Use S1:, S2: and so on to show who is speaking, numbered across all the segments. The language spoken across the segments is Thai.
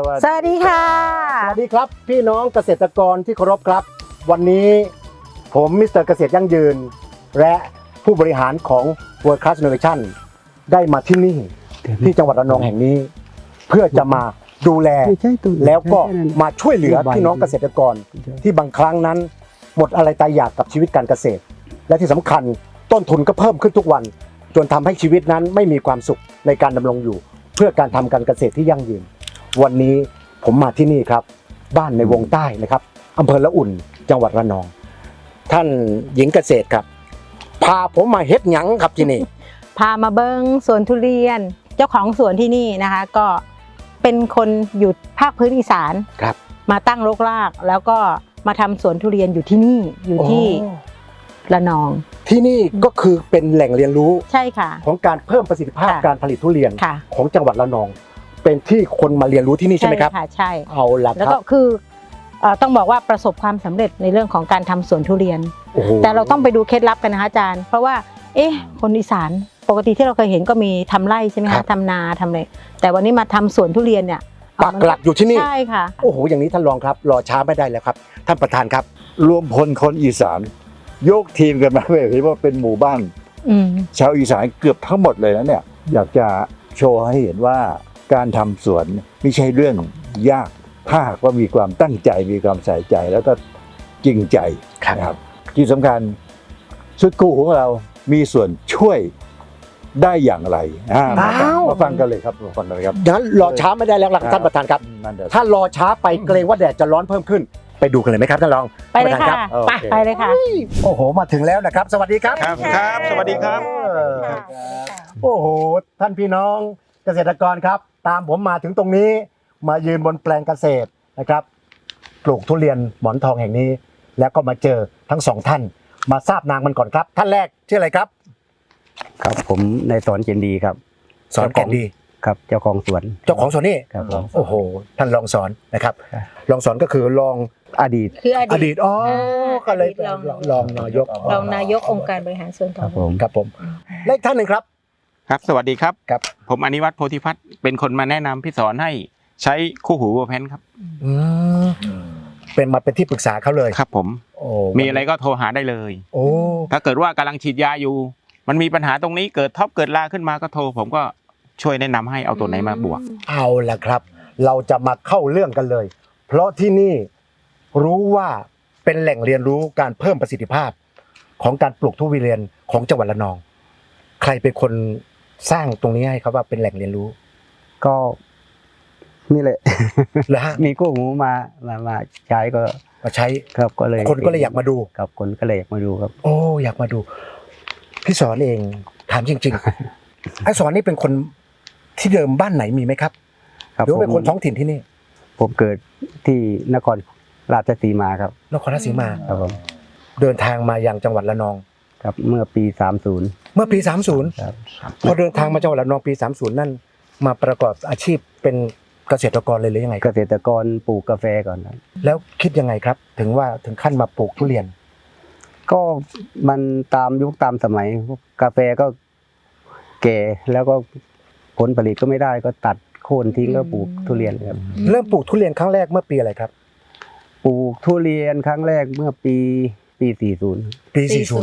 S1: สวัสดีค่ะ
S2: สวัสดีครับพี่น้องเกษตรกรที่เคารพครับวันนี้ผมมิสเตอร์เกษตรยั่งยืนและผู้บริหารของ World Class Innovation ได้มาที่นี่ที่จังหวัดระนองแห่งนี้ เพื่อจะมาดูแลแล้วก็มาช่วยเหลือพี่น้องเกษตรกรที่บางครั้งนั้นหมดอะไรตายอยากกับชีวิตการเกษตร และที่สำคัญต้นทุนก็เพิ่มขึ้นทุกวันจนทำให้ชีวิตนั้นไม่มีความสุขในการดำรงอยู่ เพื่อการทำการเกษตรที่ยั่งยืนวันนี้ผมมาที่นี่ครับบ้านในวงใต้นะครับอำเภอละอุ่นจังหวัดระนองท่านหญิงเกษตรครับพาผมมาเฮ็ดหยังครับที่นี่
S1: พามาเบิ้งสวนทุเรียนเจ้าของสวนที่นี่นะคะก็เป็นคนอยู่ภาคพื้นอีสาน
S2: ครับ
S1: มาตั้งรกรากแล้วก็มาทำสวนทุเรียนอยู่ที่นี่อยู่ที่ระนอง
S2: ที่นี่ก็คือเป็นแหล่งเรียนรู้
S1: ใช่ค่ะ
S2: ของการเพิ่มประสิทธิภาพการผลิตทุเรียน
S1: ค่ะ
S2: ของจังหวัดระนอง เป็นที่คนมาเรียนรู้ที่นี่ใช่ไหมครับ
S1: ใช่ค่ะใช่
S2: เอาละ
S1: แล้ว
S2: ครั
S1: ก็
S2: บ
S1: คือต้องบอกว่าประสบความสำเร็จในเรื่องของการทำสวนทุเรียน
S2: โอ้โห
S1: แต่เราต้องไปดูเคล็ดลับกันนะคะอาจารย์เพราะว่าคนอีสานปกติที่เราเคยเห็นก็มีทำไร่ใช่ไหมคะทำนาทำอะไรแต่วันนี้มาทำสวนทุเรียนเนี่ย
S2: ปักหลักอยู่ที่นี่
S1: ใช่ค่ะ
S2: โอ้โหอย่างนี้ท่านรองครับรอช้าไม่ได้แล้วครับท่านประธานครับ
S3: รวมพลคนอีสานยกทีมกันมาเห็นว่าเป็นหมู่บ้าน ชาวอีสานเกือบทั้งหมดเลยนะเนี่ยอยากจะโชว์ให้เห็นว่าการทำสวนไม่ใช่เรื่องยากถ้าหากว่ามีความตั้งใจมีความใส่ใจแล้วก็จริงใจนะครับที่สำคัญชุดกู้ของเรามีส่วนช่วยได้อย่างไรมาฟังกันเลยครับมาฟังกันเลยครับ
S2: งั้นรอช้าไม่ได้แล้วล่ะท่านประธานครับถ้ารอช้าไปเกรงว่าแดดจะร้อนเพิ่มขึ้นไปดูกันเลยไหมครับท่านรอง
S1: ไปเลยค่ะ
S2: ไป
S1: ไปเลยค่ะ
S2: โอ้โหมาถึงแล้วนะครับ สวัสดีครับ
S4: ครับสวัสดีครับ
S2: โอ้โหท่านพี่น้องเกษตรกรครับ ตามผมมาถึงตรงนี้มายืนบนแปลงเกษตรนะครับปลูกทุเรียนหมอนทองแห่งนี้ แล้วก็มาเจอทั้งสองท่านมาทราบนามมันก่อนครับ ท่านแรกชื่ออะไรครับ
S5: ครับผมนายสอนเจนดีครับ
S2: สอนแก่นดี
S5: ครับเจ้าของสวน
S2: เจ้าของสวนนี่
S5: ครับผม
S2: โอ้โหท่านรองสอนนะครับรองสอนก็คือรอง
S5: อดีต
S1: คืออ
S2: อ
S1: ดี
S2: ดี
S1: ต
S2: ตก็เลยเป็นรองนายก
S1: รองนายกองค์การบริหารส่วน
S5: ค
S1: ท้อ
S5: รั
S1: ง
S5: บผม
S2: ครับผมและอีกท่านหนึ่งครับ
S4: ครับ สวัสดีครับ
S2: ครับ
S4: ผมอนิวัฒน์โพธิพัฒน์เป็นคนมาแนะนำพี่สอนให้ใช้คู่หูวัวแพนครับ
S2: อืมเป็นที่ปรึกษาเขาเลย
S4: ครับผม
S2: โอ้
S4: มีอะไรก็โทรหาได้เลย
S2: โอ้
S4: ถ้าเกิดว่ากำลังฉีดยาอยู่ มันมีปัญหาตรงนี้เกิดท็อปเกิดลาขึ้นมาก็โทรผมก็ช่วยแนะนำให้เอาตัวไหนมาบวก
S2: เอาล่ะครับ เราจะมาเข้าเรื่องกันเลย เพราะที่นี่รู้ว่าเป็นแหล่งเรียนรู้การเพิ่มประสิทธิภาพของการปลูกทุเรียนของจังหวัดระนอง ใครเป็นคนสร้างตรงนี้ให้ครับว่าเป็นแหล่งเรียนรู้
S5: ก็นี่แหละ
S2: เหรอฮะ
S5: มีกู้หูมาใช้ก็
S2: มาใช้
S5: ครับก็เลย
S2: คนก็เลยอยากมาดู
S5: ครับคนก็เลยอยากมาดูครับ
S2: โอ้อยากมาดู พี่สอนเองถามจริงๆ ไอ้สอนนี่เป็นคนที่เดิมบ้านไหนมีไหมครับ
S5: ครับ
S2: หรือว่าเป็นคนท้องถิ่นที่นี่
S5: ผมเกิดที่นครราชสีมาครับ
S2: นครราชสีมา
S5: ครับผม
S2: เดินทางมายังจังหวัดระนอง
S5: ครับเมื่อปี30
S2: เมื่อปี 30
S5: ครับ
S2: พอเดินทางมาจังหวัดระนองปี 30 นั่นมาประกอบอาชีพเป็นเกษตรกรเลยหรือยังไงค
S5: เก
S2: รับ
S5: ษตรกรปลูกกาแฟก่อนครับ
S2: แล้วคิดยังไงครับ ถึงขั้นมาปลูกทุเรียน
S5: ก็มันตามยุคตามสมัยกาแฟก็แก่แล้วก็ผลผลิตก็ไม่ได้ก็ตัดโค่นทิ้งก็ปลูกทุเรียนครับ
S2: เริ่มปลูกทุเรียนครั้งแรกเมื่อปีอะไรครับ
S5: ปลูกทุเรียนครั้งแรกเมื่อปี40
S2: ปี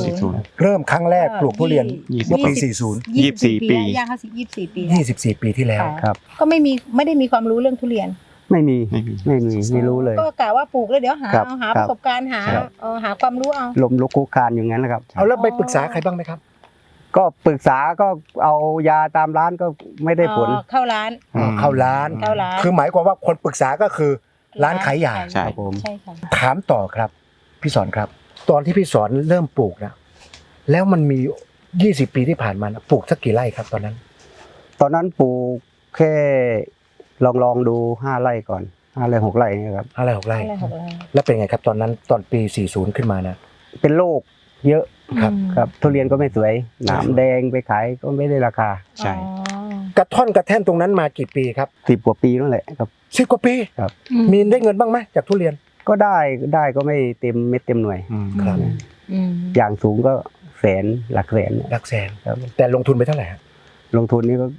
S2: 40 เริ่มครั้งแรกปลูกทุเรียนเมื่อปี
S4: 24 ปี
S1: ย่างเข้า24 ปี
S2: 40 24 ปีที่แล้ว
S5: ครับ
S1: ก็ไม่ได้มีความรู้เรื่องทุเรียน
S5: ไม่มีไม่รู้เลย
S1: ก็กะว่าปลูกแล้วเดี๋ยวหา
S5: ครับ
S1: หา
S5: ค
S1: ป
S5: รับ
S1: ระสบการณ์หา
S5: ครับ
S1: หาความรู้เอา
S5: ลมลุกคุกคานอย่างนั้นแหละครับ
S2: เอาแล้วไปปรึกษาใครบ้างไหมครับ
S5: ก็ปรึกษาก็เอายาตามร้านก็ไม่ได้ผล
S1: เข้าร้าน
S2: เข้าร้าน
S1: เข้าร้าน
S2: คือหมายความว่าคนปรึกษาก็คือร้านขายยา
S4: ใช่
S5: ครับผม
S1: ใช่ค่ะ
S2: ถามต่อครับพี่สอนครับ ตอนที่พี่สอนเริ่มปลูกนะแล้วมันมี20 ปีที่ผ่านมานะปลูกสักกี่ไร่ครับตอนนั้น
S5: ตอนนั้นปลูกแค่ลองดู5 ไร่ก่อน5 ไร่ 6 ไร่เนี่ยครับ
S2: อะไร6 ไร่
S1: อะไรหกไร่
S2: แล้วเป็นไงครับตอนนั้นตอนปี 40 ขึ้นมานะ
S5: เป็นโรคเยอะ
S2: ครับ
S5: ครับทุเรียนก็ไม่สวยหนามแดงไปขายก็ไม่ได้ราคา
S4: ใช่
S2: กระท่อนกระแท่นตรงนั้นมากี่ปีครับ
S5: 10 กว่าปีนั่นแหละครับ
S2: 10 กว่าปี มีได้เงินบ้างไหมจากทุเรียน
S5: ก็ได้ก็ไม่เต็มเม็ดเต็มหน่วย
S2: ครับ
S5: อย่างสูงก็แสนหลักแสนเนี่ย
S2: หลักแสน
S5: ครับ
S2: แต่ลงทุนไปเท่าไหร่ฮะ
S5: ลงทุนนี่ก็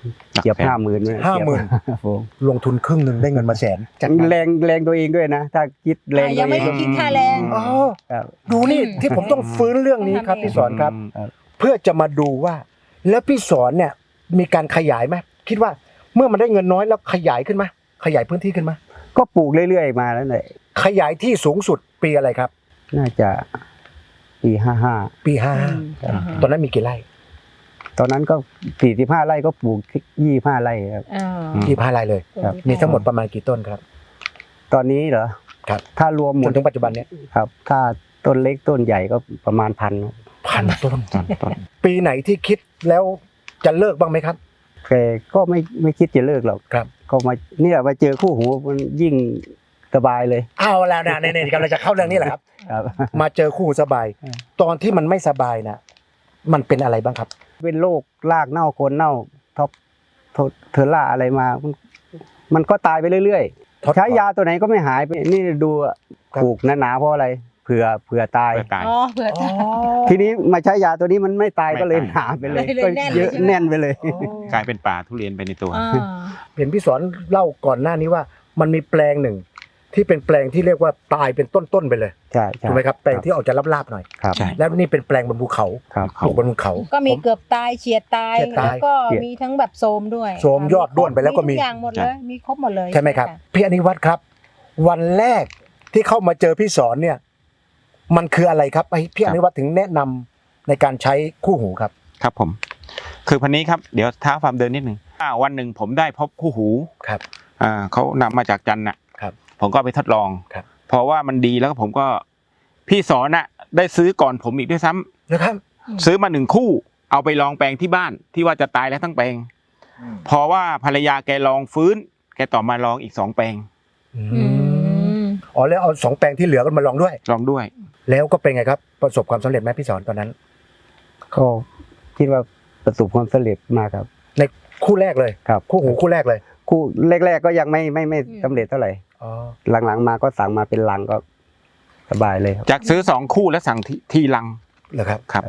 S5: เกือบ50,000
S2: 50,000
S5: ผม
S2: ลงทุนครึ่งหนึ่งได้เงินมาแสนจากนั้น
S5: แรงตัวเองด้วยนะ ถ้าคิดแรง
S1: ยังไม่ได้คิดค่าแรง
S2: อ๋อ
S5: ครับ
S2: ดูนี่ที่ผมต้องฟื้นเรื่องนี้ครับพี่สอนครับ
S5: ครับ
S2: เพื่อจะมาดูว่า แล้วพี่สอนเนี่ยมีการขยายไหมคิดว่าเมื่อมันได้เงินน้อยแล้วขยายขึ้นไหมขยายพื้นที่ขึ้นไหม
S5: ก็ปลูกเรื่อยๆมาแล้วแหละ
S2: ขยายที่สูงสุดปีอะไรครับ
S5: น่าจะปี55
S2: ปีห้าตอนนั้นมีกี่ไร่
S5: ตอนนั้นก็45 ไร่ก็ปลูก25 ไร่ครับ
S2: 25ไร่เลย
S5: ครับ
S2: มีทั้งหมดประมาณกี่ต้นครับ
S5: ตอนนี้เหรอ
S2: ครับ
S5: ถ้ารวมหม
S2: จ
S5: ด
S2: นถึงปัจจุบันเนี้ย
S5: ครับ ถ้าต้นเล็กต้นใหญ่ก็ประมาณ1,000
S2: 1,000 ต้น
S4: ต้น
S2: ปีไหนที่คิดแล้วจะเลิกบ้างไหมครับ
S5: แต่ก็ไม่คิดจะเลิกหรอก
S2: ครับ
S5: ก็มาเจอคู่หูมันยิ่งสบายเลย
S2: เอาแล้วนะเนี่ยกำลังจะเข้าเรื่องนี้แหละครับ
S5: ครับ
S2: มาเจอคู่หูสบาย ตอนที่มันไม่สบายนะมันเป็นอะไรบ้างครับ
S5: เป็นโรครากเน่าโคนเน่าท็อปเทอร่าอะไรมา มันก็ตายไปเรื่อย
S2: ท็อป
S5: ๆใช้ยาตัวไหนก็ไม่หายไปนี่ดูอะ
S2: ครับ
S5: ปลูกหนาๆเพราะอะไรเผื่อตาย
S4: เพื่อตาย
S1: อ๋อเผื่อจะ
S5: ทีนี้มาใช้ยาตัวนี้มันไม่ตาย
S4: ไม่
S5: ก็เลย
S4: ตาย
S5: หนาไปเลย
S1: เลย
S5: ก็
S1: แน่นเลย
S5: เยอะ
S1: ใช่ไหม
S5: แน่นไปเลย
S4: กลายเป็นป่าทุเรียนไปในตัว
S2: เห็นพี่สอนเล่าก่อนหน้านี้ว่ามันมีแปลงหนึ่ง ที่เป็นแปลงที่เรียกว่าตายเป็นต้นๆไปเลย
S5: ใช่ใช่
S2: ถูกไหมครับแปลงที่ออกจะลาบๆหน่อย
S5: ครับ
S4: ใช่
S2: แล้วนี่เป็นแปลงบนภูเขา
S5: ครับ
S2: ปลูกบนภูเขา
S1: ก็มี
S2: ผม
S1: เกือบตายเฉียดตาย
S2: เฉียดตาย
S1: แล้วก็มีทั้งแบบโทรมด้วย
S2: โทรมยอดด้วนไปแล้วก็มี
S1: ทุกอย่างหมดเลยมีครบหมดเลย
S2: ใช่ไหมครับ พี่อนิวัฒน์ครับ วันแรกที่เข้ามาเจอพี่สอนเนี่ย มันคืออะไรครับไอ้พี่อนิวัฒน์ถึงแนะนำในการใช้คู่หูครับ
S4: ครับผม คือพันนี้ครับเดี๋ยวท้าความเดินนิดหนึ่งวันหนึ่งผมได้พบคู่หู
S2: ครับ
S4: เขานำมาจากจันทร์น่ะ
S2: ครับ
S4: ผมก็เอาไปทดลอง
S2: ครับ
S4: เพราะว่ามันดีแล้วก็ผมก็พี่สอนน่ะได้ซื้อก่อนผมอีกด้วยซ้ำ
S2: นะครับ
S4: ซื้อมา1 คู่ เอาไปลองแปลงที่บ้านที่ว่าจะตายแล้วทั้งแปลงเพราะว่าภรรยาแกลองฟื้น แกต่อมาลองอีก2 แปลง
S1: อืม
S2: อ๋อแล้วเอา2 แปลงที่เหลือกันมาลองด้วย
S4: ลองด้วย
S2: แล้วก็เป็นไงครับ ประสบความสำเร็จไหมพี่สอนตอนนั้น
S5: ก็คิดว่าประสบความสำเร็จมากครับ
S2: ในคู่แรกเลย
S5: ครับ
S2: คู่หูคู่แรกเลย
S5: คู่แรกๆก็ยังไม่สำเร็จเท่าไหร่
S2: อ๋อ
S5: หลังๆมาก็สั่งมาเป็นลังก็สบายเลยครับ
S4: จากซื้อ2 คู่แล้วสั่งทีลัง
S2: เหรอครับ
S4: ครับ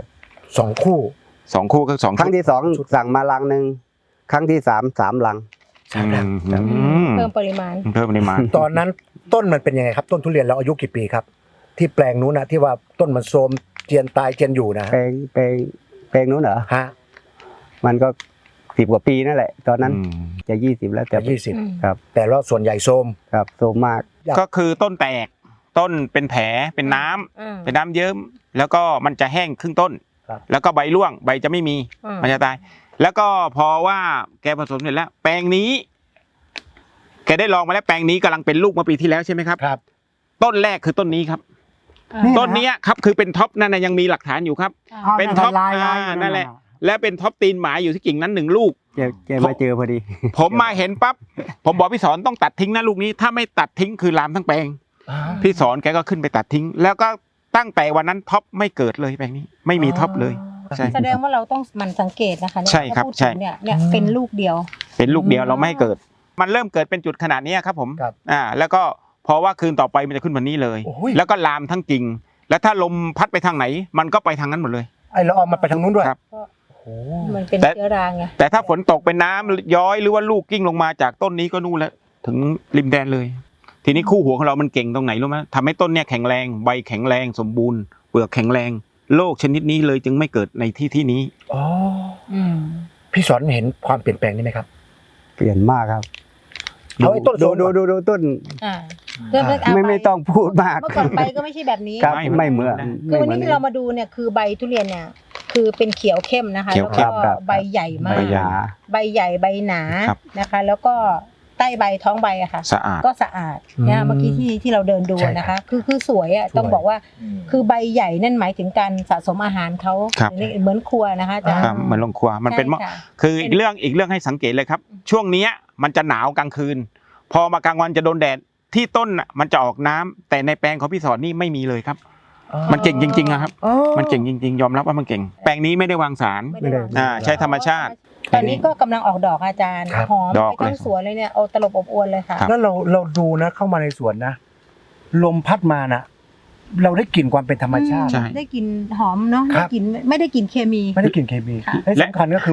S2: 2 คู่
S4: 2 คู่ก็2
S5: ครั้งที่2สั่งมาลังหนึ่งครั้งที่3ลัง
S1: เพิ่มปริมาณ
S4: เพิ่มปริมาณ
S2: ตอนนั้นต้นมันเป็นยังไงครับ ต้นทุเรียนเราอายุกี่ปีครับ ที่แปลงนู้นนะที่ว่าต้นมันโทรมเจียนตายเจียนอยู่นะ
S5: แปลงนู้นเหรอ
S2: ฮะ
S5: มันก็10 กว่าปีนั่นแหละ ตอนนั้นจะ20แล้วแต่
S2: แต่20
S5: ครับ
S2: แต่ว่าส่วนใหญ่โทรม
S5: ครับโซมมาก
S4: ก็คือต้นแตกต้นเป็นแผลเป็นน้ำเป็นน้ำเยิ้มแล้วก็มันจะแห้งครึ่งต้น
S2: ครับ
S4: แล้วก็ใบร่วงใบจะไม่มีมันจะตาย แล้วก็พอว่าแกผสมเสร็จแล้ว แปลงนี้ แกได้ลองมาแล้วแปลงนี้กำลังเป็นลูกเมื่อปีที่แล้วใช่ไหมครับ
S2: ครับ
S4: ต้นแรกคือต้นนี้ครับ
S2: นี่
S4: ต้นเนี้ยครับคือเป็นท็อปนั่นนะยังมีหลักฐานอยู่ครับ เป็นท็อปนั่นแหละ และเป็นท็อปตีนหมาอยู่ที่กิ่งนั้น1 ลูก
S5: แกมาเจอพอดี
S4: ผมมาเห็นปั๊บผมบอกพี่สอนต้องตัดทิ้งนะลูกนี้ ถ้าไม่ตัดทิ้งคือลามทั้งแปลง พี่สอนแกก็ขึ้นไปตัดทิ้ง แล้วก็ตั้งแต่วันนั้นท็อปไม่เกิดเลยแปลงนี้ ไม่มีท็อปเลย ใช่
S1: แสดงว่าเราต้องหมั่นสังเกตนะคะเนี่ย
S4: ใช่ครับ
S1: ถ้าพูด
S4: ใช่
S1: ถึงเนี่ยเป็นลูกเดียว
S4: เป็นลูกเดียวเราไม่ให้เกิด มันเริ่มเกิดเป็นจุดขนาดนี้ครับผม
S2: ครับ
S4: แล้วก็พอว่าคืนต่อไปมันจะขึ้นวันนี้เลย
S2: โอ้ย
S4: แล้วก็ลามทั้งกิ่ง แล้วถ้าลมพัดไปทางไหน มันก็ไปทางนั้นหมดเลย
S2: ไอ้ละอองมันไปทางนู้นด้วย
S4: ครับ
S2: โอ้
S1: มันเป็น
S4: แต่
S1: เชื้อราไง
S4: แต่ถ้าฝนตกเป็นน้ำย้อยหรือว่าลูกกิ้งลงมาจากต้นนี้ก็นู่นแล้วถึงริมแดนเลย ทีนี้คู่หัวของเรามันเก่งตรงไหนรู้ไหมทำให้ต้นเนี่ยแข็งแรงใบแข็งแรงสมบูรณ์เปลือกแข็งแรงโรคชนิดนี้เลยจึงไม่เกิดในที่นี้
S2: อ๋อพี่สอนเห็นความเปลี่ยนแปลงนี้ไหมครับ
S5: เปลี่ยนมากครับ
S2: เอาไอ้ต้น
S5: ดู
S2: โซมก่อน
S5: ดูต้น
S1: เริ่มเอา
S5: ไม่ต้องพูดมาก
S1: เมื่อก่อนใบก็ไม่ใช่แบบนี้
S5: ครับไม่เหมือน
S1: คือวันนี้ที่เรามาดูเนี่ยคือใบทุเรียนเนี่ยคือเป็นเขียวเข้มนะคะ
S4: เขียว
S1: แล้ว
S4: เข้
S1: ก็
S4: ม
S1: ใบใหญ่มาก
S4: ใบใหญ่
S1: ใบใหญ่ใบหนา
S4: ครับ
S1: นะคะ แล้วก็ใต้ใบท้องใบอะค่ะ
S4: สะอาด
S1: ก็สะอาดนะเมื่อกี้ที่เราเดินดู
S2: ใช่ครับ
S1: นะคะคือสวยอ่ะ
S2: สวย
S1: ต้องบอกว่าคือใบใหญ่นั่นหมายถึงการสะสมอาหารเขา
S4: ครับ
S1: เหมือนครัวนะคะอาจารย์
S4: ครับเหมือนลงครัวมันเป็นหม้อ
S1: ใช่ค่ะ
S4: คืออีกเรื่องให้สังเกตเลยครับ ช่วงเนี้ยมันจะหนาวกลางคืน พอมากลางวันจะโดนแดดที่ต้นน่ะมันจะออกน้ำแต่ในแปลงของพี่สอนนี่ไม่มีเลยครับ มันเก่งจริงๆอะครับ มันเก่งจริงๆ ยอมรับว่ามันเก่ง แปลงนี้ไม่ได้วางสาร
S1: ไม่ได้วาง
S4: ใช้ธรรมชาติ
S1: ตอนนี้ก็กำลังออกดอกอาจารย์
S2: ครับ
S1: หอม
S4: ดอก
S1: ไปทั้ง
S4: เลย
S1: สวนเลยเนี่ยเอาตลบอบอวนเลยค่ะ
S4: ครับ
S2: แล้วเราดูนะเข้ามาในสวนนะลมพัดมานะเราได้กลิ่นความเป็นธรรมชาติ
S4: ใช่
S1: ได้กลิ่นหอมเนาะ
S2: ครั
S1: ได้
S2: บ
S1: กลิ่นไม่ได้กลิ่นเคมี
S2: ไม่ได้กลิ่นเคมี
S1: ค่ะ
S2: และสำคัญก็คือว่า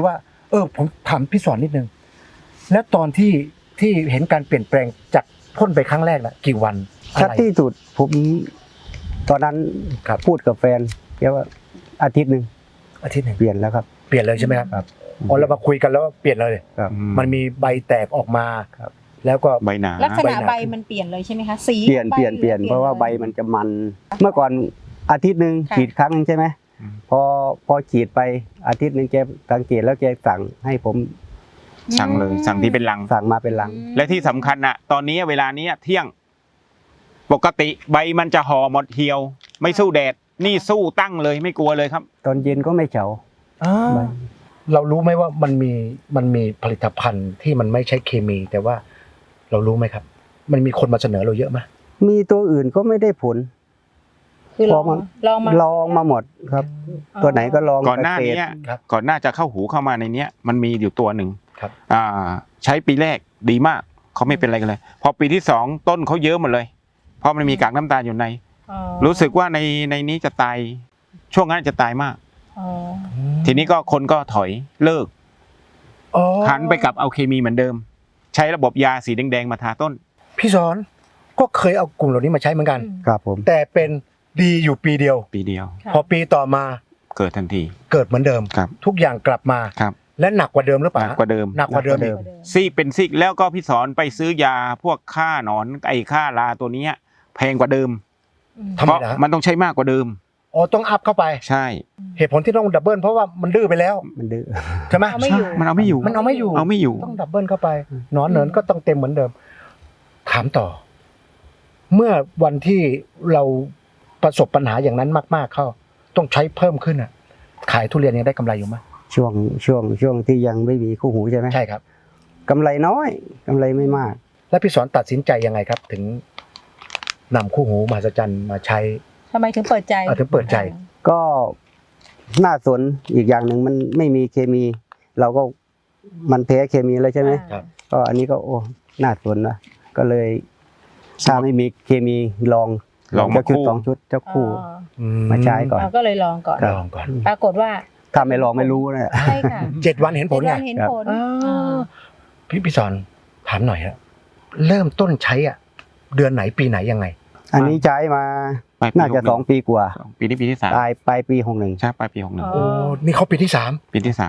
S2: ผมถามพี่สอนนิดนึงแล้วตอนที่เห็นการเปลี่ยนแปลงจากพ่นไปครั้งแรกนะกี่วันอะ
S5: ชัด
S2: ไร
S5: ที่สุดผมตอนนั้น
S2: ครับ
S5: พูดกับแฟนแกว่าอาทิตย์หนึ่ง
S2: อาทิตย์หนึ่ง
S5: เปลี่ยนแล้วครับ
S2: เปลี่ยนเลยใช่ไหมครับ
S5: ครับ
S2: อ๋อเรามาคุยกันแล้วว่าเปลี่ยนเลย
S5: ครับ
S2: มันมีใบแตกออกมา
S5: ครับ
S2: แล้วก็
S4: ใบหนา
S1: ลักษณะ
S2: ใบหนา
S1: ใบมันเปลี่ยนเลยใช่ไหมคะสี
S5: เปลี่ยน
S1: ใบ
S5: เปลี่ยนเปลี่ยนเพราะว่าใบมันจะมัน เมื่อก่อนอาทิตย์หนึ่ง
S1: ค่ะ
S5: ฉีดครั้งหนึงใช่ไหม
S4: อืม
S5: พอฉีดไปอาทิตย์หนึ่งแกสังเกตแล้วแกสั่งให้ผม
S4: สั่งเลยสั่งที่เป็นลัง
S5: สั่งมาเป็นลัง
S4: และที่สำคัญน่ะ ตอนนี้เวลานี้เที่ยง ปกติใบมันจะห่อหมดเหี่ยว ไม่สู้แดด นี่สู้ตั้งเลยไม่กลัวเลยครับ
S5: ตอนเย็นก็ไม่เฉาใบ
S2: เรารู้ไหมว่ามันมีผลิตภัณฑ์ที่มันไม่ใช่เคมี แต่ว่าเรารู้ไหมครับ มันมีคนมาเสนอเราเยอะไหม
S5: มีตัวอื่นก็ไม่ได้ผล
S1: คือลอง
S5: พอมา
S1: ลองมา
S5: ลองมาหมดครับ ตัวไหนก็ลอง
S4: ก่อนหน้านี้
S5: เษตร
S2: ครับ
S4: ก่อนหน้าจะเข้าหูเข้ามาในเนี้ยมันมีอยู่ตัวหนึ่ง
S2: ครับ
S4: ใช้ปีแรกดีมากเขาไม่เป็นอะไรกันเลย พอปีที่สองต้นเขาเยอะหมดเลย เพราะมันมีกากน้ำตาลอยู่ใน
S1: อ๋อ
S4: รู้สึกว่าในนี้จะตายช่วงนั้นจะตายมาก
S1: อ๋อ
S4: ทีนี้ก็คนก็ถอยเลิก
S2: อ๋อ
S4: หันไปกับเอาเคมีเหมือนเดิม ใช้ระบบยาสีแดงๆมาทาต้น
S2: พี่สอนก็เคยเอากลุ่มเหล่านี้มาใช้เหมือนกัน
S5: ครับผม
S2: แต่เป็นดีอยู่ปีเดียว
S4: ปีเดียว
S1: ค่ะ
S2: พอปีต่อมา
S4: เกิดทันที
S2: เกิดเหมือนเดิม
S4: ครับ
S2: ทุกอย่างกลับมา
S4: ครับ
S2: และหนักกว่าเดิมหรือเป
S4: ห
S2: ล่า
S4: นักกว่าเดิม
S2: หนักกว่าเดิมอีก
S4: ซีกเป็นซีกแล้วก็พี่สอนไปซื้อยาพวกฆ่าหนอนไอ้ฆ่าราตัวเนี้ยแพงกว่าเดิม
S2: ทำ
S4: เพ
S2: ไม
S4: ราะ
S2: นะ
S4: มันต้องใช้มากกว่าเดิม
S2: อ๋อต้องอัพเข้าไป
S4: ใช่
S2: เหตุผลที่ต้องดับเบิลเพราะว่ามันดื้อไปแล้ว
S5: มันดื้อ
S2: ใช่ไหม
S1: เอาไม่อยู่
S4: มันเอาไม่อยู่
S2: มันเอาไม่อยู่
S4: เอาไม่อยู่
S2: ต้องดับเบิลเข้าไปหนอนเหนินก็ต้องเต็มเหมือนเดิม ถามต่อ เมื่อวันที่เราประสบปัญหาอย่างนั้นมาก ๆเข้า ต้องใช้เพิ่มขึ้นอ่ะ ขายทุเรียนยังได้กำไรอยู่ไหม
S5: ช่วงที่ยังไม่มีคู่หูใช่ไหม
S2: ใช่ครับ
S5: กำไรน้อยกำไรไม่มาก
S2: แล้วพี่สอนตัดสินใจยังไงครับ ถึงนำคู่หูมหัศจรรย์มาใช้
S1: ทำไมถึงเปิดใจ
S2: ถึงเปิดใจ
S5: ก็น่าสนอีกอย่างหนึ่งมันไม่มีเคมี เราก็มันแพ้เคมีแล้วใช่ไหม
S2: ครับ
S5: ก็อันนี้ก็โอ้น่าสนนะก็เลยถ้าไม่มีเคมีลอง
S4: ลองมา
S5: เจ้าชุด
S4: คู่
S5: สองชุดเจ้าคู่
S1: อ๋อ
S5: มาใช้ก่อน
S1: เราก็เลยลองก่อน
S2: ลองก่อน
S1: ปรากฏว่า
S5: ถ้าไม่ลองไม่รู้นะ
S1: ใช่ค่ะ
S2: 7 วันเห็นผลไง
S1: 7 วันเห็นผล
S2: อ่า
S1: อ่า
S2: พี่สอนถามหน่อยฮะเริ่มต้นใช้อ่ะ เดือนไหนปีไหนยังไง
S5: อันนี้ใช้มา
S4: ปลายปี
S5: น่าจะ
S4: 61
S5: 2 ปีกว่า
S4: ปีนี้ปีที่สาม
S5: ปลายปี61
S4: ใช่ปลายปี61
S2: โอ้นี่เขาปีที่
S4: ปีที่สาม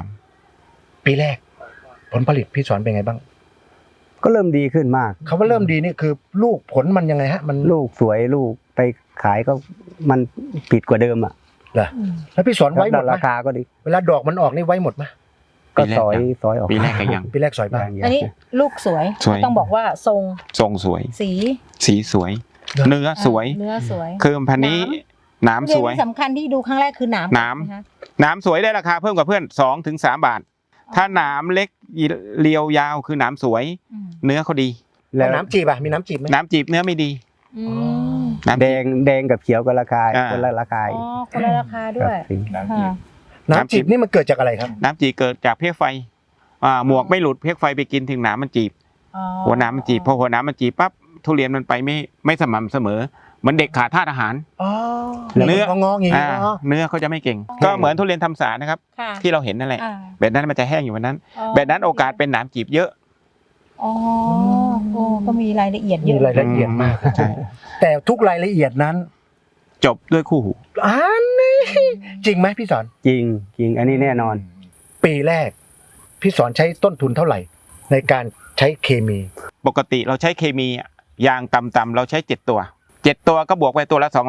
S2: 3 ปีแรก ผลผลิตพี่สอนเป็นไงบ้าง
S5: ก็เริ่มดีขึ้นมาก
S2: เขาว่าเริ่มดีนี่คือลูกผลมันยังไงฮะ มัน
S5: ลูกสวยลูกไปขายก็มันผิดกว่าเดิมอ่ะ
S2: เหรอแล้วพี่สอนไว้หมดไหม
S5: ราคาก็ดี
S2: เวลาดอกมันออกนี่ไว้หมดไหม
S5: ก็ซอยออก
S4: ปีแรกก็ยัง
S2: ปีแรกสอยบ้าง
S5: อย่าง
S1: อันนี้ลูกสวย
S4: สวย
S1: ต้องบอกว่าทรง
S4: ทรงสวย
S1: สี
S4: สีสวย เนื้อสวย
S1: เนื้อสวย
S4: คือพันธุ์นี้หน้ำสวย
S1: เรื่องที่สำคัญที่ดูครั้งแรกคือหนาม
S4: หนาม
S1: ะคะ
S4: หน้ำสวยได้ราคาเพิ่มกว่าเพื่อน2 ถึง 3 บาท ถ้าหนามเล็กเรียวยาวคือหนามสวย
S1: อืม
S4: เนื้อเขาดี
S5: แล้ว
S2: น้ำจีบอ่ะมีน้ำจีบไหม
S4: น้ำจีบเนื้อไม่ดี
S1: อืม
S4: น้ำ
S5: แด
S4: จีบ
S5: งแดงกับเขียวก็ราคา
S4: อ่า
S5: คนละราคา
S1: อ๋อคนละราคาด้วย
S5: ครับ
S1: ค่ะ
S2: น้ำจีบนี่มันเกิดจากอะไรครับ
S4: น้ำจีบเกิดจากเพลี้ยไฟหมวกไม่หลุดเพลี้ยไฟไปกินถึงหนามมันจีบ
S1: อ๋อ
S4: หัวหนามมันจีบพอหัวหนามมันจีบปั๊บทุเรียนมันไปไม่สม่ำเสมอเหมือนเด็กขาดธาตุอาหาร
S2: อ๋อ
S4: เนื้อ
S2: งอๆอย่างงี้เนาะ
S4: เนื้อเขาจะไม่เก่ง ก็เหมือนทุเรียนทำสารนะครับ
S1: ค่ะ
S4: ที่เราเห็นนั่นแหละ
S1: อ่า
S4: แบบนั้นมันจะแห้งอยู่วันนั้น แบบนั้นโอกาสเป็นหนามจีบเยอะ
S1: อ๋อโอ้ก็มีรายละเอียดเย
S2: มี
S1: อะ
S2: รายละเอียดมาก
S4: ใช่
S2: แต่ทุกรายละเอียดนั้น
S4: จบด้วยคู่หู
S2: อันนี้จริงไหมพี่สอน
S5: จริงอันนี้แน่นอน
S2: ปีแรก พี่สอนใช้ต้นทุนเท่าไหร่ ในการใช้เคมี
S4: ปกติเราใช้เคมียางต่ำๆเราใช้7 ตัว 7 ตัวก็บวกไปตัวละ200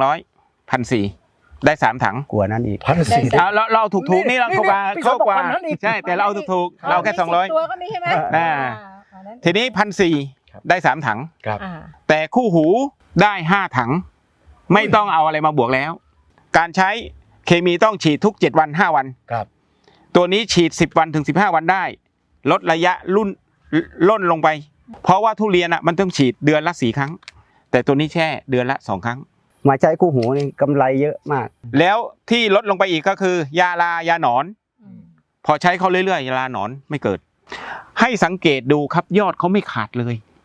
S4: 1,400ได้3 ถัง
S5: กลัวนั้นอีก
S2: 1,400
S4: เราถูกๆนี่เราเข้ากว่า
S2: พี่
S4: เข้ากว่า
S2: เขาบอก1,000อีก
S4: ใช่แต่เราเอาถูกๆเราแค่
S1: 10ตัวก็มีใช่ไหม
S4: อ่า
S1: อันนั้น
S4: 200ทีนี้1,400ได้3 ถัง
S2: ครับ
S1: อ่า
S4: แต่คู่หูได้5 ถัง ไม่ต้องเอาอะไรมาบวกแล้ว การใช้เคมีต้องฉีดทุก7 วัน 5 วัน
S2: ครับ
S4: ตัวนี้ฉีด10 วันถึง15 วันได้ ลดระยะล่นลงไป เพราะว่าทุเรียนมันต้องฉีดเดือนละ4 ครั้ง แต่ตัวนี้แค่เดือนละ2 ครั้ง
S5: มาใช้คู่หูนี่กำไรเยอะมาก
S4: แล้วที่ลดลงไปอีกก็คือยาลายาหนอน พอใช้เขาเรื่อยๆยาลาหนอนไม่เกิด ให้สังเกตดูครับยอดเขาไม่ขาดเลย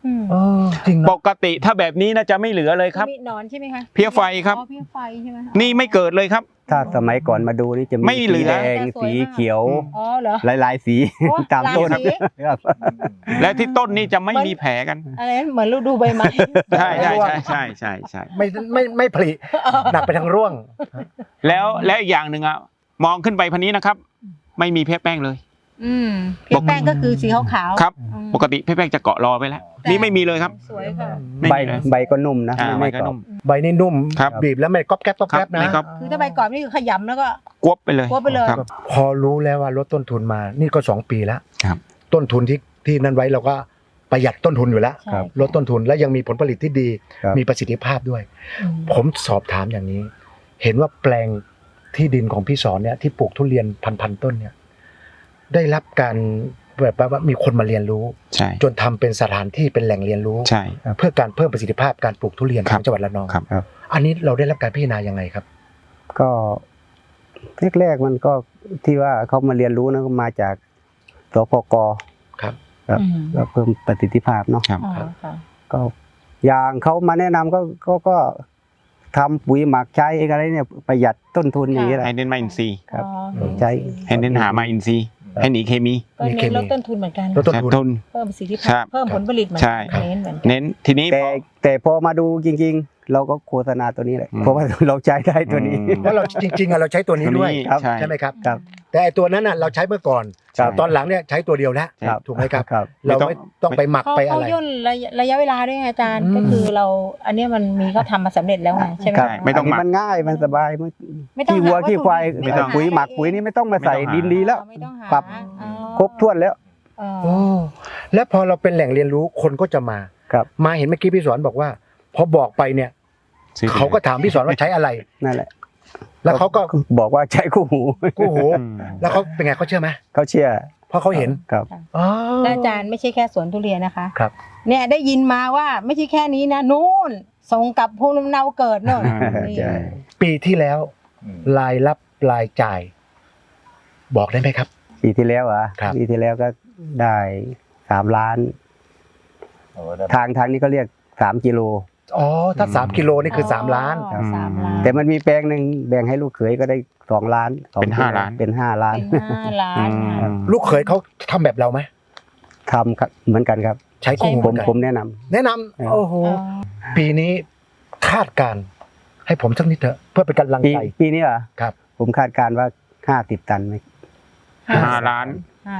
S2: จริง
S4: ป
S2: เนาะ
S4: กติถ้าแบบนี้น่าจะไม่เหลือเลยครับ
S1: มีหนอนใช่ไหมคะ
S4: เพี้ยไฟครับ
S1: อ๋อเพี้ยไฟใช่ไหมคะ
S4: นี่ไม่เกิดเลยครับ
S5: ถ้าสมัยก่อนมาดูนี่จะมี
S4: ไม่เหลื
S5: สี
S4: อ
S5: แดงสีเขียว
S1: อ๋อเหรอ
S5: หลายๆสี
S1: โอ้
S5: ตามต้น
S1: หลายสี
S5: ครับ
S4: และที่ต้นนี่จะไม่มีแผลกัน
S1: อะไรนะเหมือนเราดูใบไม้
S4: ใช่ใช่ใช่ใช่ใช่ใช่
S2: ไม่ผลิหนักไปทางร่วง
S4: แล้วอีกอย่างหนึ่งอะมองขึ้นไปพันนี้นะครับ ไม่มีเพชรแป้งเลย
S1: เพี้ยแป้งก็คือสีขาวๆ
S4: ครับ
S1: อืม
S4: ปกติเพชรแป้งจะเกาะรอไปแล้ว นี่ไม่มีเลยครับ
S1: สวยค่ะ
S4: ไม่
S5: ใบ
S4: มีเลย
S5: ใบก็นุ่มนะ
S4: ใบ
S5: ไม่
S4: ก็
S5: กรอ
S4: นุ่
S5: บ
S4: ม
S2: ใบนี่นุ่ม
S4: ครับ
S2: บีบแล้วไม่ก๊อบแก๊บก๊อบแก๊บนะ
S4: ไม่ก๊อบ
S1: คือถ้าใบกรอบนี่คือขยำแล้วก็
S4: กวบไปเลย
S1: กวบไปเลย
S4: ครับ
S2: พอรู้แล้วว่าลดต้นทุนมานี่ก็2 ปีแล้ว
S4: ครับ
S2: ต้นทุนที่นั่นไว้เราก็ประหยัดต้นทุนอยู่แล้ว
S1: ใช่
S2: ลดต้นทุนและยังมีผลผลิตที่ดี
S5: ครับ
S2: มีประสิทธิภาพด้วย
S1: อืม
S2: ผมสอบถามอย่างนี้ เห็นว่าแปลงที่ดินของพี่สอนเนี่ยที่ปลูกทุเรียนพันต้นเนี่ยได้รับการแบบว่ามีคนมาเรียนรู้
S4: ใช่
S2: จนทำเป็นสถานที่เป็นแหล่งเรียนรู้
S4: ใช่
S2: เพื่อการเพิ่มประสิทธิภาพการปลูกทุเรียน
S4: ค
S2: ข
S4: รั
S2: อบ งจังหวัดระนอง
S4: ครับ
S5: ครับ
S2: อันนี้เราได้รับการพิจารณายังไงครับ
S5: ก็แรกๆมันก็ที่ว่าเขามาเรียนรู้นะก็มาจากสพก
S2: ครับ
S5: ครับ
S1: อืม
S5: ก็เพิ่มประสิทธิภาพเนาะ
S4: ครับ
S1: อ๋อค่ะ
S5: ก็อย่างเขามาแนะนำก็ทำปุ๋ยหมักใช้อะไรเนี่ยประหยัดต้นทุนอย่างนี้แหละ
S4: ให้เน้นมาอินทรีย์
S5: ครับ
S1: อ๋อ
S5: ใช้
S4: ให้เน้นหามาอินทรีย์ให้หนีเคมี
S1: ก็เน้นลดต้นทุนเหมือนกัน
S2: ลดต้นทุน
S4: ทุน
S1: เพิ่มประสิทธิ
S4: ครั
S1: ภาพ
S4: บ
S1: เพิ่มผลผลิตเหมือน
S4: ใช่
S1: กันเน้นเหมือนกัน
S4: เน้นทีนี้
S5: แต่พอมาดูจริงๆ เราก็โฆษณาตัวนี้แหละ
S4: อืม
S5: เพราะว่าเราใช้ได้ตัวนี้
S4: อืม
S2: เพราะเราจริงๆอะเราใช้ตัวนี้ด้วย
S4: ครับ
S2: ใช่ไหมครับ
S5: ครับ
S2: แต่ไอ้ตัวนั้นน่ะเราใช้เมื่อก่อน
S5: ครับ
S2: ตอนหลังเนี่ยใช้ตัวเดียวแล้ว
S5: ครับ
S2: ถูกไหมครับ
S5: ครับ
S2: เราไม่ต้องไปหมัก
S1: เขา
S2: ไปอะ
S1: เขา
S2: ไร
S1: ย่นระยะเวลาด้วยไงอาจารย์
S2: อืม
S1: ก็คือเราอันเนี้ยมันมีเขาทำมาสำเร็จแล้วไงใช่ไหม
S5: ครับ
S4: ไม่ต้องหมัก
S5: นนี้มันง่ายมันสบายมัน
S1: ไม่ต้อง
S5: ขี้วัว
S1: หาวัตถุ
S5: ขี้ควาย
S1: ดิบไม่ต้อง
S5: ปุ๋ย
S1: หา
S5: หมัก
S1: เอง
S5: ปุ๋ยนี่ไม่ต้องมาใส่
S4: ไม่ต้องหา
S5: ดินดีแล้ว
S1: ไม่ต้องหา
S5: ปรับ
S1: อ๋อ
S5: ครบถ้วนแล้ว
S1: อ๋อ
S2: โอ้แล้วพอเราเป็นแหล่งเรียนรู้คนก็จะมา
S5: ครับ
S2: มาเห็นเมื่อกี้พี่สอนบอกว่าพอบอกไปเนี่ย
S4: ซื้อไป
S2: เขาก็ถามพี่สอนว่าใช้อะไร
S5: นั่นแหละ
S2: แล้วเขาก็
S5: บอกว่าใช้คู่หู
S2: กู้หู
S4: อืม
S2: แล้วเขาเป็นไงเขาเชื่อไหม
S5: เขาเชื่อ
S2: เพราะเขาเห็น
S5: ครับ
S2: อ๋อ
S1: แล้วอาจารย์ไม่ใช่แค่สวนทุเรียนนะคะ
S2: ครับ
S1: เนี่ยได้ยินมาว่าไม่ใช่แค่นี้นะนู่นส่งกลับภูมิลำเนาเกิดโน่น นี่
S5: ใช่
S2: ปีที่แล้วรายรับรายจ่าย บอกได้ไหมครับ
S5: ปีที่แล้วเหรอ่ะ
S2: ครับ
S5: ปีที่แล้วก็ได้3 ล้าน ทางนี้ก็เรียก3 กิโล
S2: อ๋อถ้า3 กิโลนี่คือ3 ล้าน
S1: อ๋อ3 ล้าน
S5: แต่มันมีแปลงหนึ่งแบ่งให้ลูกเขยก็ได้2 ล้านสอง
S4: เป็น5 ล้าน
S5: เป็น5 ล้าน
S1: เป็น5 ล้าน
S4: อืม
S2: ลูกเขยเขาทำแบบเราไหม
S5: ทำครับเหมือนกันครับ
S2: ใช้คู่หู
S5: ผม
S2: เหอนกัน
S5: ผมแนะนำ
S2: แนะนำโอ้โหปีนี้คาดการณ์ให้ผมสักนิดเถอะเพื่อเป็นกำลังใจ
S5: ปีนี้เหรอ
S2: ครับ
S5: ผมคาดการณ์ว่า50 ตันไหม
S4: 5 ล้าน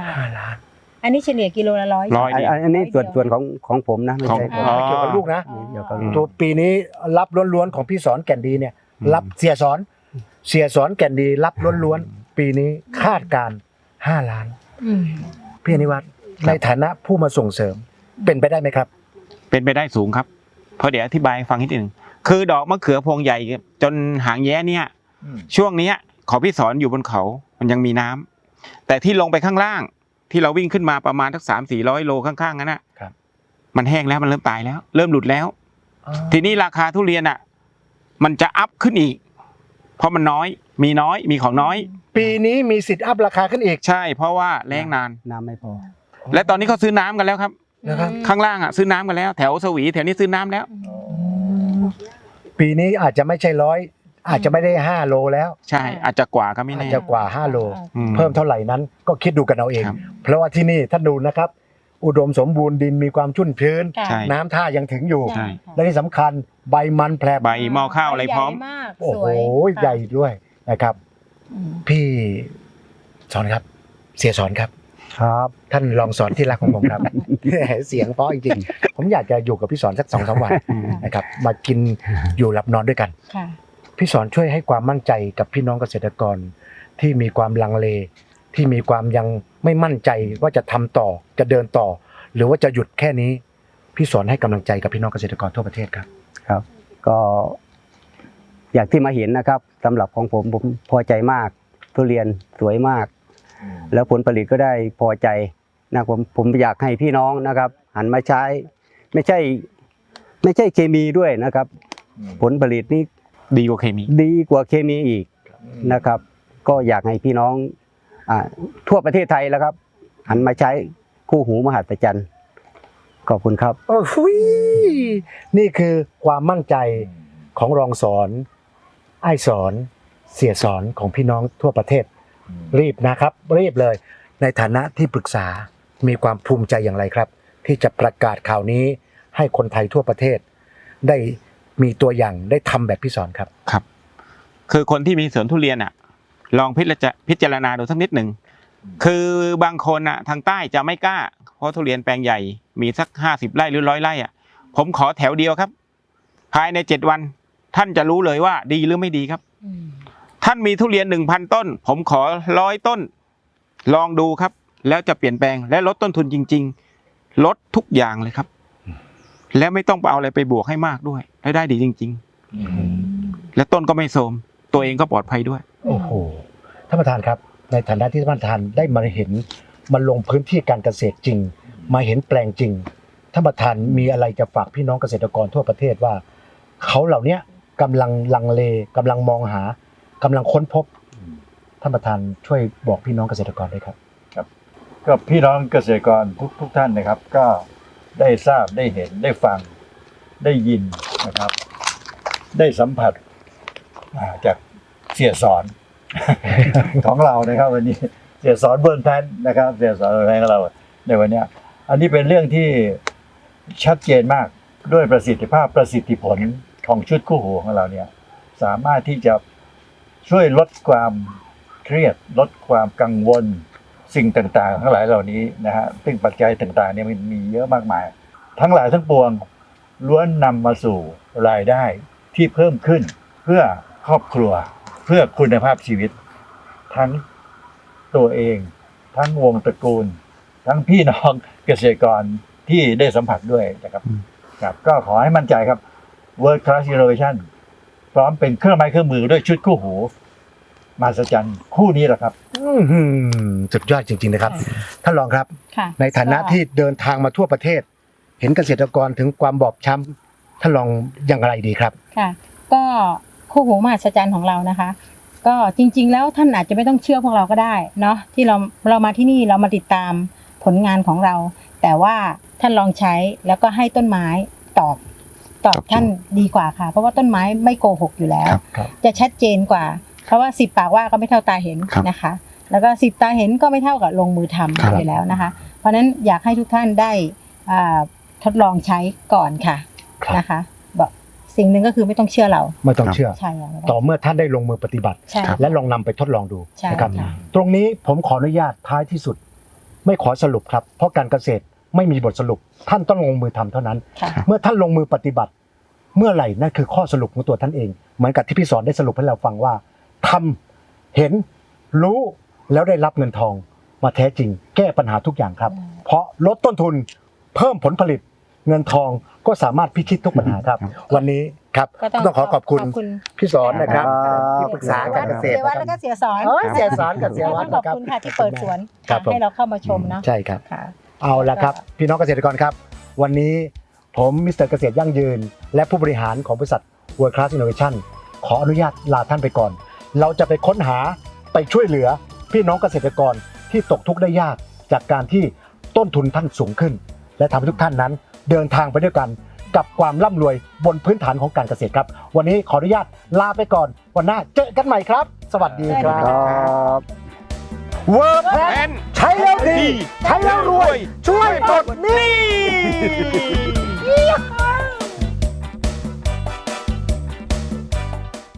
S2: 5 ล้าน
S1: อันนี้เฉลี่ยกิโลละ100
S4: ร้อย
S5: อันนี้ส่วนของผมนะไม่ใช่
S4: ของ
S2: ไม่เกี่ยวกับลูกนะ
S5: เดี๋ยวก็
S4: อืม
S2: ตัวปีนี้รับล้วนๆของพี่สอนแก่นดีเนี่ย รับเสียสอนแก่นดีรับล้วนๆปีนี้คาดการณ์5 ล้าน
S1: อืม
S2: พี่อนิวัฒน์ในฐานะผู้มาส่งเสริมเป็นไปได้ไหมครับ
S4: เป็นไปได้สูงครับ เพราะเดี๋ยวอธิบายให้ฟังนิดหนึ่งคือดอกมะเขือพวงใหญ่จนหางแย้เนี่ย ช่วงเนี้ยขอพี่สอนอยู่บนเขามันยังมีน้ำแต่ที่ลงไปข้างล่าง ที่เราวิ่งขึ้นมาประมาณสัก300-400 โลข้างๆนั้นนะครับ มันแห้งแล้วมันเริ่มตายแล้ว เริ่มหลุดแล้ว ทีนี้ราคาทุเรียนอ่ะ มันจะอัพขึ้นอีก เพราะมันน้อยมีของน้อย
S2: ปีนี้มีสิทธิ์อัพราคาขึ้นอีก
S4: ใช่ เพราะว่าแรงนาน
S5: น้ำไม่พอ
S4: และตอนนี้เขาซื้อน้ำกันแล้วครับ
S2: นะครับ
S4: ข้างล่างอ่ะซื้อน้ำกันแล้ว แถวสวีแถวนี้ซื้อน้ำแล้ว
S2: ปีนี้อาจจะไม่ใช่100อาจจะไม่ได้5 โลแล้ว
S4: ใช่ อาจจะกว่าก็ไม่
S2: อาจ
S4: แน่
S2: จะกว่า5 โล
S4: อื
S2: เพิ่มเท่าไหร่นั้นก็คิดดูกันเอาเอง
S4: ครับ
S2: เพราะว่าที่นี่ท่านดูนะครับ อุดมสมบูรณ์ดินมีความชุ่มชื้น
S1: ค่ะ
S4: ใช่
S2: น้ำท่ายังถึงอยู่
S4: ใช่
S2: และที่สำคัญใบมันแผลบ
S4: ใบหม้อข้าวอะไรพร้อม
S1: ใหญ่มาก
S2: โอ้
S1: ส
S2: โห
S1: วย
S2: ใหญ่ด้วยนะครับ
S1: อืม
S2: พี่สอนครับ เสียสอนครับ
S5: ครับ
S2: ท่านลองสอนที่รักของผมครับ เสียงเพราะจริงๆผมอยากจะอยู่กับพี่สอนสัก2-3 วันนะครับ มากินอยู่หลับนอนด้วยกัน
S1: ค่ะ
S2: พี่สอนช่วยให้ความมั่นใจกับพี่น้องเกษตรกร ที่มีความลังเล ที่มีความยังไม่มั่นใจว่าจะทำต่อจะเดินต่อ หรือว่าจะหยุดแค่นี้ พี่สอนให้กำลังใจกับพี่น้องเกษตรกรทั่วประเทศครับ
S5: ครับ ก็อยากที่มาเห็นนะครับสำหรับของผมพอใจมาก ทุเรียนสวยมาก แล้วผลผลิตก็ได้พอใจนะผมอยากให้พี่น้องนะครับ หันมาใช้ ไม่ใช่เคมีด้วยนะครับ ผลผลิตนี่
S4: ดีกว่าเคมี
S5: ดีกว่าเคมีอีกนะครับ ก็อยากให้พี่น้องทั่วประเทศไทยแล้วครับ หันมาใช้คู่หูมหัศจรรย์ขอบคุณครับ
S2: โอ้โหนี่คือความมั่นใจของรองสอนไอ้สอนเสียสอนของพี่น้องทั่วประเทศ รีบนะครับรีบเลยในฐานะที่ปรึกษามีความภูมิใจอย่างไรครับ ที่จะประกาศข่าวนี้ให้คนไทยทั่วประเทศ ได้มีตัวอย่างได้ทำแบบพี่สอนครับ
S4: ครับ คือคนที่มีสวนทุเรียนอ่ะ ลองพิจารณาดูสักนิดหนึ่งคือบางคนอ่ะทางใต้จะไม่กล้าเพราะทุเรียนแปลงใหญ่มีสัก50 ไร่หรือ100 ไร่อ่ะผมขอแถวเดียวครับ ภายใน7 วันท่านจะรู้เลยว่าดีหรือไม่ดีครับ ท่านมีทุเรียน 1,000 ต้น ผมขอ100 ต้น ลองดูครับ แล้วจะเปลี่ยนแปลงและลดต้นทุนจริง ๆ ลดทุกอย่างเลยครับ แล้วไม่ต้องไปเอาอะไรไปบวกให้มากด้วยและได้ดีจริง ๆ และต้นก็ไม่โทรมตัวเองก็ปลอดภัยด้วย
S2: โอ้โหท่านประธานครับในฐานะที่ท่านประธานได้มาเห็นมาลงพื้นที่การเกษตรจริง มาเห็นแปลงจริงท่านประธานมีอะไรจะฝากพี่น้องเกษตรกรทั่วประเทศว่าเขาเหล่านี้กำลังลังเลกำลังมองหากำลังค้นพบท่านประธานช่วยบอกพี่น้องเกษตรกรด้วยครับ
S3: ก็พี่น้องเกษตรกรทุกท่านนะครับ ก็ได้ทราบได้เห็นได้ฟังได้ยินนะครับ ได้สัมผัสจากเสียสอน ของเรานะครับวันนี้เสียสอนเบิร์นแพนนะครับเสียสอนเบิร์นแพนของเราในวันนี้อันนี้เป็นเรื่องที่ชัดเจนมากด้วยประสิทธิภาพประสิทธิผลของชุดคู่หูของเราเนี่ยสามารถที่จะช่วยลดความเครียดลดความกังวลสิ่งต่างๆทั้งหลายเหล่านี้นะฮะซึ่งปัจจัยต่างๆเนี่ยมันมีเยอะมากมายทั้งหลายทั้งปวงล้วนนำมาสู่รายได้ที่เพิ่มขึ้นเพื่อครอบครัวเพื่อคุณภาพชีวิตทั้งตัวเองทั้งวงตระกูลทั้งพี่น้องเกษตรกรที่ได้สัมผัสด้วยนะครับครับก็ขอให้มั่นใจครับ World Class Innovation พร้อมเป็นเครื่องไม้เครื่องมือด้วยชุดคู่หูมหัศจรรย์คู่นี้แหละครับ
S2: สุดยอดจริงๆนะครับท่านรองครับ
S1: ค่ะ
S2: ในฐานะที่เดินทางมาทั่วประเทศ เห็นเกษตรกรถึงความบอบช้ำท่านรองอย่างไรดีครับ
S1: ค่ะก็คู่หูมหัศจรรย์ของเรานะคะ ก็จริงๆแล้วท่านอาจจะไม่ต้องเชื่อพวกเราก็ได้เนาะที่เรามาที่นี่เรามาติดตามผลงานของเรา แต่ว่าท่านลองใช้แล้วก็ให้ต้นไม้ตอบท่านดีกว่าค่ะ เพราะว่าต้นไม้ไม่โกหกอยู่แล้ว
S2: ครับ
S1: จะชัดเจนกว่า เพราะว่า10 ปากว่าก็ไม่เท่าตาเห็นนะคะ แล้วก็10 ตาเห็นก็ไม่เท่ากับลงมือทำอยู่แล้วนะคะ เพราะฉะนั้นอยากให้ทุกท่านได้ทดลองใช้ก่อนค่ะนะคะบอกสิ่งหนึ่งก็คือไม่ต้องเชื่อเรา
S2: ไม่ต้องเชื่อ
S1: ใช่ค่ะ
S2: ต่อเมื่อท่านได้ลงมือปฏิบัติ
S1: ใช่
S2: และลองนำไปทดลองดู
S1: ใช่
S2: นะครับ
S1: ค่ะ
S2: ตรงนี้ผมขออนุญาตท้ายที่สุด ไม่ขอสรุปครับ เพราะการเกษตรไม่มีบทสรุป ท่านต้องลงมือทำเท่านั้น
S1: ค่ะ
S2: เมื่อท่านลงมือปฏิบัติ เมื่อไหร่นั่นคือข้อสรุปของตัวท่านเอง เหมือนกับที่พี่สอนได้สรุปให้เราฟังว่าทำเห็นรู้แล้วได้รับเงินทองมาแท้จริง แก้ปัญหาทุกอย่างครับ เพราะลดต้นทุนเพิ่มผลผลิตเงินทองก็สามารถพิชิตทุกปัญหาครับ วันนี้ครับ
S1: ก็
S2: ต้องขอบคุณพี่สอนนะครับ
S5: ครับ
S2: ที่ปรึกษาการเกษตร
S1: เสียวัดแล้วก็เสียสอน
S2: เสียสอนกับเสียวัด
S1: ขอบ
S2: นะครับ
S1: คุณค่ะที่เปิดสวน
S2: ครับผม
S1: ให้เราเข้ามาชมเนาะ
S2: ใช่ครับ
S1: ค่ะ
S2: เอาละครับ พี่น้องเกษตรกรครับ วันนี้ผมมิสเตอร์เกษตรยั่งยืน และผู้บริหารของบริษัท World Class Innovation ขออนุญาตลาท่านไปก่อน เราจะไปค้นหาไปช่วยเหลือพี่น้องเกษตรกรที่ตกทุกข์ได้ยากจากการที่ต้นทุนท่านสูงขึ้น และทำให้ทุกท่านนั้นเดินทางไปด้วยกันกับความร่ำรวยบนพื้นฐานของการเกษตรครับ วันนี้ขออนุญาตลาไปก่อน วันหน้าเจอกันใหม่ครับ สวัสดีครั
S1: สวัสดีครับ
S2: บ World
S4: แพ
S2: Class
S4: น
S2: ใช้แล้วดี ใช้แล้วรวย ช่วยปลดหนี้